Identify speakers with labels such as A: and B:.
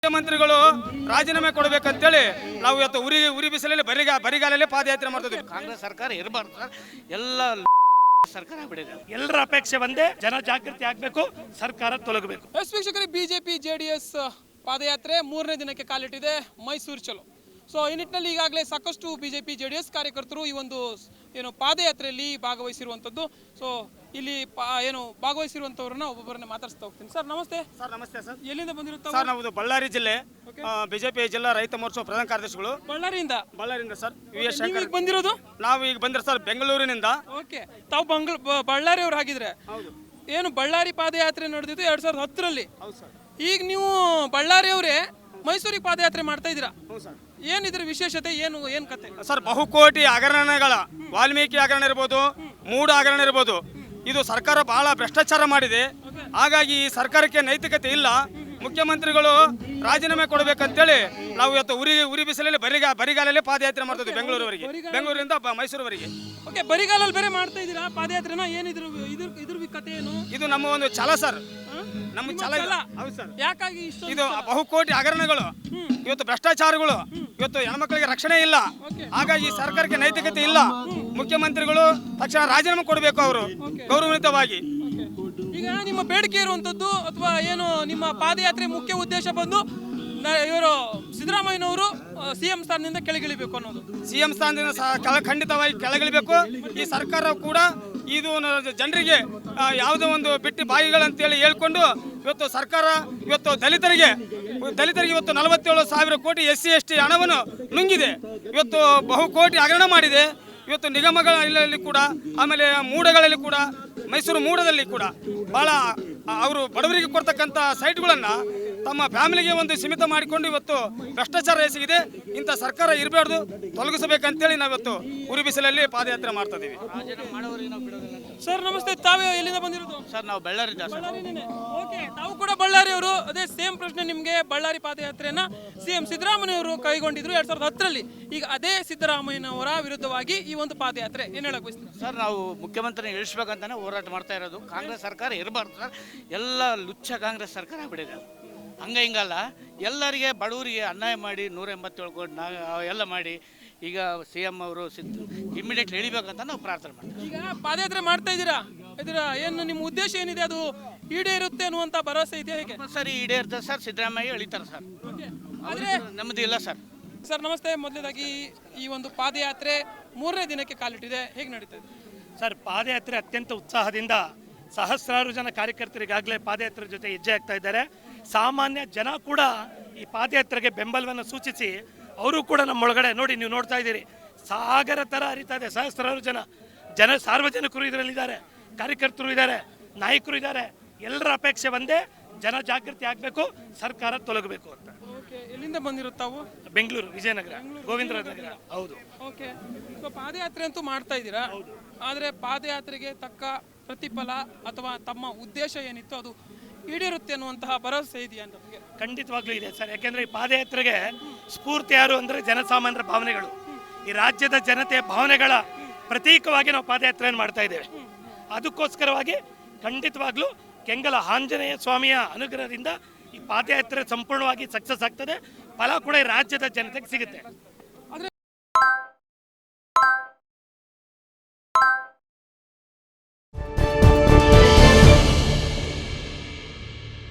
A: ಮುಖ್ಯಮಂತ್ರಿಗಳು ರಾಜೀನಾಮೆ ಕೊಡಬೇಕಂತೇಳಿ ನಾವು ಇವತ್ತು ಉರಿ ಬಿಸಿಲಲ್ಲಿ ಬರಿಗಾಲಲ್ಲಿ ಪಾದಯಾತ್ರೆ ಮಾಡ್ತಿದ್ವಿ.
B: ಕಾಂಗ್ರೆಸ್ ಸರ್ಕಾರ ಇರಬಾರ್ದು ಸರ್, ಎಲ್ಲ ಸರ್ಕಾರ ಬಿಡಿದೆ.
C: ಎಲ್ಲರ ಅಪೇಕ್ಷೆ ಒಂದೇ, ಜನ ಜಾಗೃತಿ ಆಗಬೇಕು, ಸರ್ಕಾರ ತೊಲಗಬೇಕು.
D: ವೀಕ್ಷಕರಿಗೆ ಬಿಜೆಪಿ ಜೆಡಿಎಸ್ ಪಾದಯಾತ್ರೆ 3ನೇ ದಿನಕ್ಕೆ ಕಾಲಿಟ್ಟಿದೆ ಮೈಸೂರು ಚಲೋ. ಸೊ ಈ ನಿಟ್ಟಿನಲ್ಲಿ ಈಗಾಗಲೇ ಸಾಕಷ್ಟು ಬಿಜೆಪಿ ಜೆಡಿಎಸ್ ಕಾರ್ಯಕರ್ತರು ಈ ಒಂದು ಪಾದಯಾತ್ರೆಯಲ್ಲಿ ಭಾಗವಹಿಸಿರುವಂಥದ್ದು. ಸೊ ಇಲ್ಲಿ ಭಾಗವಹಿಸಿರುವಂಥವ್ರನ್ನ ಒಬ್ಬೊಬ್ಬರನ್ನ ಮಾತಾಡ್ಸ್ತಾ ಹೋಗ್ತೀನಿ. ಸರ್ ನಮಸ್ತೆ.
A: ಸರ್ ನಮಸ್ತೆ ಸರ್.
D: ಎಲ್ಲಿಂದ ಬಂದಿರುತ್ತಾರೆ
A: ಸರ್? ನಾವು ಬಳ್ಳಾರಿ ಜಿಲ್ಲೆ ಬಿಜೆಪಿ ಜಿಲ್ಲಾ ರೈತ ಮೋರ್ಚಾ ಪ್ರಧಾನ ಕಾರ್ಯದರ್ಶಿಗಳು. ಬಳ್ಳಾರಿಯಿಂದ ಸರ್.
D: ಬಂದಿರೋದು?
A: ನಾವು ಈಗ ಬಂದಿರೋ ಸರ್ ಬೆಂಗಳೂರಿನಿಂದ.
D: ಓಕೆ, ತಾವು ಬಳ್ಳಾರಿ ಅವ್ರು ಹಾಗಿದ್ರೆ ಏನು ಬಳ್ಳಾರಿ ಪಾದಯಾತ್ರೆ ನಡೆದಿದ್ದು 2010ರಲ್ಲಿ. ಈಗ ನೀವು ಬಳ್ಳಾರಿ ಅವರೇ ಮೈಸೂರಿಗೆ ಪಾದಯಾತ್ರೆ ಮಾಡ್ತಾ ಇದ್ದೀರಾ. ಏನಿದ್ರ ವಿಶೇಷತೆ, ಏನು ಕತೆ
A: ಸರ್? ಬಹುಕೋಟಿ ಹಗರಣಗಳ, ವಾಲ್ಮೀಕಿ ಹಗರಣ ಇರ್ಬೋದು, ಮೂಡ ಹಗರಣ ಇರ್ಬೋದು, ಇದು ಸರ್ಕಾರ ಬಹಳ ಭ್ರಷ್ಟಾಚಾರ ಮಾಡಿದೆ. ಹಾಗಾಗಿ ಈ ಸರ್ಕಾರಕ್ಕೆ ನೈತಿಕತೆ ಇಲ್ಲ. ಮುಖ್ಯಮಂತ್ರಿಗಳು ರಾಜೀನಾಮೆ ಕೊಡಬೇಕಂತೇಳಿ ನಾವು ಇವತ್ತು ಉರಿ ಬಿಸಿಲಲ್ಲಿ ಬರಿಗಾಲಲ್ಲಿ ಪಾದಯಾತ್ರೆ ಮಾಡ್ತಿದ್ವಿ ಬೆಂಗಳೂರಿಂದ ಮೈಸೂರುವರೆಗೆ.
D: ಓಕೆ, ಬರಿಗಾಲಲ್ಲಿ ಬೇರೆ ಮಾಡ್ತಾ ಇದ್ದೀರಾ ಪಾದಯಾತ್ರೆನ? ಏನಿದ್ರು ಇದ್ರ ಕತೆ ಏನು?
A: ಇದು ನಮ್ಮ ಒಂದು ಛಲ ಸರ್, ನಮ್ಮ ಛಲ. ಹೌದು ಸರ್.
D: ಯಾಕಾಗಿ
A: ಇದು ಬಹುಕೋಟಿ ಹಗರಣಗಳು, ಇವತ್ತು ಭ್ರಷ್ಟಾಚಾರಗಳು, ಇವತ್ತು ಹೆಣ್ಮಕ್ಳಿಗೆ ರಕ್ಷಣೆ ಇಲ್ಲ. ಹಾಗಾಗಿ ಈ ಸರ್ಕಾರಕ್ಕೆ ನೈತಿಕತೆ ಇಲ್ಲ. ಮುಖ್ಯಮಂತ್ರಿಗಳು ತಕ್ಷಣ ರಾಜೀನಾಮೆ ಕೊಡಬೇಕು, ಅವರು ಗೌರವಯುತವಾಗಿ.
D: ಈಗ ನಿಮ್ಮ ಬೇಡಿಕೆ ಇರುವಂತದ್ದು ಅಥವಾ ಏನು ನಿಮ್ಮ ಪಾದಯಾತ್ರೆ ಮುಖ್ಯ ಉದ್ದೇಶ ಬಂದು ಇವರು ಸಿದ್ದರಾಮಯ್ಯನವರು ಸಿಎಂ ಸ್ಥಾನದಿಂದ ಕೆಳಗಿಳಿಬೇಕು ಅನ್ನೋದು?
A: ಸಿಎಂ ಸ್ಥಾನದಿಂದ ಖಂಡಿತವಾಗಿ ಕೆಳಗಿಳಿಬೇಕು. ಈ ಸರ್ಕಾರ ಕೂಡ ಇದು ಜನರಿಗೆ ಯಾವುದೋ ಒಂದು ಬಿಟ್ಟು ಬಾಯಿಗಳಂತೇಳಿ ಹೇಳ್ಕೊಂಡು ಇವತ್ತು ಸರ್ಕಾರ ಇವತ್ತು ದಲಿತರಿಗೆ ಇವತ್ತು 47,000 ಕೋಟಿ SC ST ಹಣವನ್ನು ನುಂಗಿದೆ. ಇವತ್ತು ಬಹುಕೋಟಿ ಹಗರಣ ಮಾಡಿದೆ. ಇವತ್ತು ನಿಗಮಗಳಲ್ಲಿ ಕೂಡ, ಆಮೇಲೆ ಮೂಡಗಳಲ್ಲಿ ಕೂಡ, ಮೈಸೂರು ಮೂಡದಲ್ಲಿ ಕೂಡ ಭಾಳ ಅವರು ಬಡವರಿಗೆ ಕೊಡ್ತಕ್ಕಂಥ ಸೈಟ್ಗಳನ್ನು ತಮ್ಮ ಫ್ಯಾಮಿಲಿಗೆ ಒಂದು ಸೀಮಿತ ಮಾಡಿಕೊಂಡು ಇವತ್ತು ಭ್ರಷ್ಟಾಚಾರ ಎಸಗಿದೆ. ಇಂಥ ಸರ್ಕಾರ ಇರಬಾರ್ದು, ತೊಲಗಿಸಬೇಕಂತೇಳಿ ನಾವಿವತ್ತು ಉರಿ ಬಿಸಿಲಲ್ಲಿ ಪಾದಯಾತ್ರೆ ಮಾಡ್ತಾ ಇದ್ದೀವಿ.
D: ಸರ್ ನಮಸ್ತೆ, ತಾವೇ ಎಲ್ಲಿಂದ ಬಂದಿರೋದು?
B: ಸರ್ ನಾವು ಬಳ್ಳಾರಿ.
D: ಓಕೆ, ತಾವು ಕೂಡ ಬಳ್ಳಾರಿ ಅವರು. ಅದೇ ಸೇಮ್ ಪ್ರಶ್ನೆ ನಿಮಗೆ. ಬಳ್ಳಾರಿ ಪಾದಯಾತ್ರೆಯನ್ನ ಸಿಎಂ ಸಿದ್ದರಾಮಯ್ಯ ಅವರು ಕೈಗೊಂಡಿದ್ರು 2010ರಲ್ಲಿ. ಈಗ ಅದೇ ಸಿದ್ದರಾಮಯ್ಯನವರ ವಿರುದ್ಧವಾಗಿ ಈ ಒಂದು ಪಾದಯಾತ್ರೆ, ಏನ್ ಹೇಳಕ್ ಬಯಸ್ತೀರಾ?
B: ಸರ್ ನಾವು ಮುಖ್ಯಮಂತ್ರಿ ಇಳಿಸ್ಬೇಕಂತಾನೆ ಹೋರಾಟ ಮಾಡ್ತಾ ಇರೋದು. ಕಾಂಗ್ರೆಸ್ ಸರ್ಕಾರ ಇರಬಾರ್ದು ಸರ್, ಎಲ್ಲ ಲುಚ್ಚ ಕಾಂಗ್ರೆಸ್ ಸರ್ಕಾರ ಬಿಡಿದೆ. ಹಿಂಗಲ್ಲ, ಎಲ್ಲರಿಗೆ ಬಡವರಿಗೆ ಅನ್ಯಾಯ ಮಾಡಿ 187 ಕೋಟಿ ಎಲ್ಲ ಮಾಡಿ ಈಗ CM ಅವರು ಇಮಿಡಿಯೇಟ್ಲಿ ಇಳಿಬೇಕಂತ ನಾವು ಪ್ರಾರ್ಥನೆ ಮಾಡ್ತೀವಿ.
D: ಈಗ ಪಾದಯಾತ್ರೆ ಮಾಡ್ತಾ ಇದ್ದೀರಾ, ಏನು ನಿಮ್ಮ ಉದ್ದೇಶ ಏನಿದೆ, ಅದು ಈಡೇರುತ್ತೆ ಅನ್ನುವಂಥ ಭರವಸೆ ಇದೆಯಾ? ಹೇಗೆ
B: ಸರ್ ಈಡೇರುತ್ತೆ ಸರ್, ಸಿದ್ದರಾಮಯ್ಯ ಇಳಿತಾರೆ ಸರ್, ಆದರೆ ನಮ್ಮದು ಇಲ್ಲ ಸರ್.
D: ಸರ್ ನಮಸ್ತೆ. ಮೊದಲನೇದಾಗಿ ಈ ಒಂದು ಪಾದಯಾತ್ರೆ 3ನೇ ದಿನಕ್ಕೆ ಕಾಲಿಟ್ಟಿದೆ, ಹೇಗೆ ನಡೀತಾ ಇದೆ
C: ಸರ್? ಪಾದಯಾತ್ರೆ ಅತ್ಯಂತ ಉತ್ಸಾಹದಿಂದ ಸಹಸ್ರಾರು ಜನ ಕಾರ್ಯಕರ್ತರಿಗಾಗಲೇ ಪಾದಯಾತ್ರೆ ಜೊತೆ ಹೆಜ್ಜೆ ಆಗ್ತಾ ಇದ್ದಾರೆ. ಸಾಮಾನ್ಯ ಜನ ಕೂಡ ಈ ಪಾದಯಾತ್ರೆಗೆ ಬೆಂಬಲವನ್ನು ಸೂಚಿಸಿ ಅವರು ಕೂಡ ನಮ್ಮೊಳಗಡೆ ನೋಡಿ, ನೀವು ನೋಡ್ತಾ ಇದ್ದೀರಿ, ಸಾಗರ ಥರ ಹರಿತಾ ಇದೆ. ಸಹಸ್ರಾರು ಜನ ಸಾರ್ವಜನಿಕರು ಇದರಲ್ಲಿದ್ದಾರೆ, ಕಾರ್ಯಕರ್ತರು ಇದ್ದಾರೆ, ನಾಯಕರು ಇದ್ದಾರೆ. ಎಲ್ಲರ ಅಪೇಕ್ಷೆ ಒಂದೇ, ಜನ ಜಾಗೃತಿ ಆಗಬೇಕು, ಸರ್ಕಾರ ತೊಲಗಬೇಕು ಅಂತ.
D: ಎಲ್ಲಿಂದ ಬಂದಿರುತ್ತಾವು?
C: ಬೆಂಗಳೂರು, ವಿಜಯನಗರ, ಗೋವಿಂದರಾಜ ನಗರ. ಹೌದು.
D: ಓಕೆ, ಪಾದಯಾತ್ರೆ ಅಂತೂ ಮಾಡ್ತಾ ಇದ್ದೀರಾ, ಆದರೆ ಪಾದಯಾತ್ರೆಗೆ ತಕ್ಕ ಪ್ರತಿಫಲ ಅಥವಾ ತಮ್ಮ ಉದ್ದೇಶ ಏನಿತ್ತು ಅದು ಈಡೇರುತ್ತೆ ಅನ್ನುವಂತಹ ಭರವಸೆ ಇದೆಯಾ ಅಂತ?
C: ಖಂಡಿತವಾಗ್ಲೂ ಇದೆ ಸರ್. ಯಾಕೆಂದರೆ ಈ ಪಾದಯಾತ್ರೆಗೆ ಸ್ಫೂರ್ತಿ ಯಾರು ಅಂದರೆ ಜನಸಾಮಾನ್ಯರ ಭಾವನೆಗಳು, ಈ ರಾಜ್ಯದ ಜನತೆಯ ಭಾವನೆಗಳ ಪ್ರತೀಕವಾಗಿ ನಾವು ಪಾದಯಾತ್ರೆಯನ್ನು ಮಾಡ್ತಾ ಇದ್ದೇವೆ. ಅದಕ್ಕೋಸ್ಕರವಾಗಿ ಖಂಡಿತವಾಗ್ಲೂ ಕೆಂಗಲ ಆಂಜನೇಯ ಸ್ವಾಮಿಯ ಅನುಗ್ರಹದಿಂದ ಈ ಪಾದಯಾತ್ರೆ ಸಂಪೂರ್ಣವಾಗಿ ಸಕ್ಸಸ್ ಆಗ್ತದೆ. ಫಲ ಕೂಡ ಈ ರಾಜ್ಯದ ಜನತೆಗೆ ಸಿಗುತ್ತೆ.